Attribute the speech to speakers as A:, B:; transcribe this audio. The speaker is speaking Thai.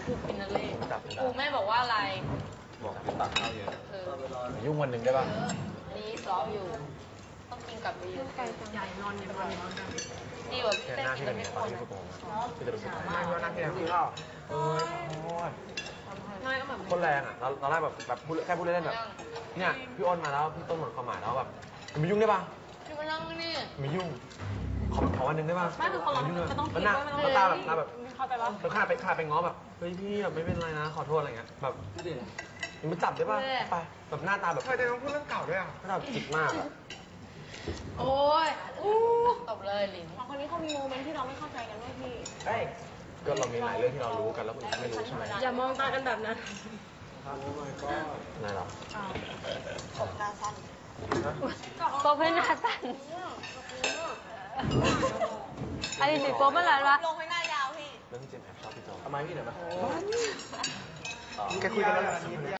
A: กูกินนั่นเลยกูแม่บอกว่าอะไร
B: บอกกินตักข้าวเยอะ
C: ยุ่งวันหนึ่งได้ป่ะ
A: นี่ซ้อมอยู่ต้องกินกับเยอะใหญ่นอนดีกว่า
C: แค่หน้าที่เป็นอย่างตอนที่พี่โกงที่จะรู้สึก
B: ไม่ว่านั่งที่ไหนพี่ก็
C: คนแรงอ่ะเราได้แบบพูดแค่พูดเล่นแบบเนี่ยพี่อ้นมาแล้วพี่ต้นหมดความหมายแล้วแบบไม่ยุ่งได้ป่ะ
A: พี่มานั่งนี่
C: ไม่ยุ่งขอวันหนึ่งได้ป่ะ
A: ไม่คือคนเรามันต้องคิดว่า
C: มันตาแบบ
A: เข้าใจปะ
C: แล้วข้าไปง้อแบบเฮ้ยพี่แบบไม่เป็นไรนะขอโทษอะไรเงี้ยแบบมันจับได้ป่ะไปแบบหน้าตาแบบ
B: เคยจะต้องพูดเรื่องเก่าด้วยอ่ะ
C: หน้าตาจิกมากอ่ะ
A: โอ้ยตบเลยลิงคนนี้เขามีโมเมนต์ที่เราไม่เข้าใจกันด้วยพี่
C: ก็เรามีหลายเรื่องที่เรารู้กันแล้วคนอื่นไม่รู้ใช่ไหม
A: อย่ามองตากันแบบนั้น
C: นายหรอ
A: ตบหน้าสั้นตบให้หน้าสั้นอันนี้สิโป๊ะเมื่อไหร่วะลงให้หน้ายาวพี่
C: เรื่องที่เจมแอบชอบพี่โจ
B: ทำไมพี่เดี๋ยวมา
C: แกคุยกันแล้ว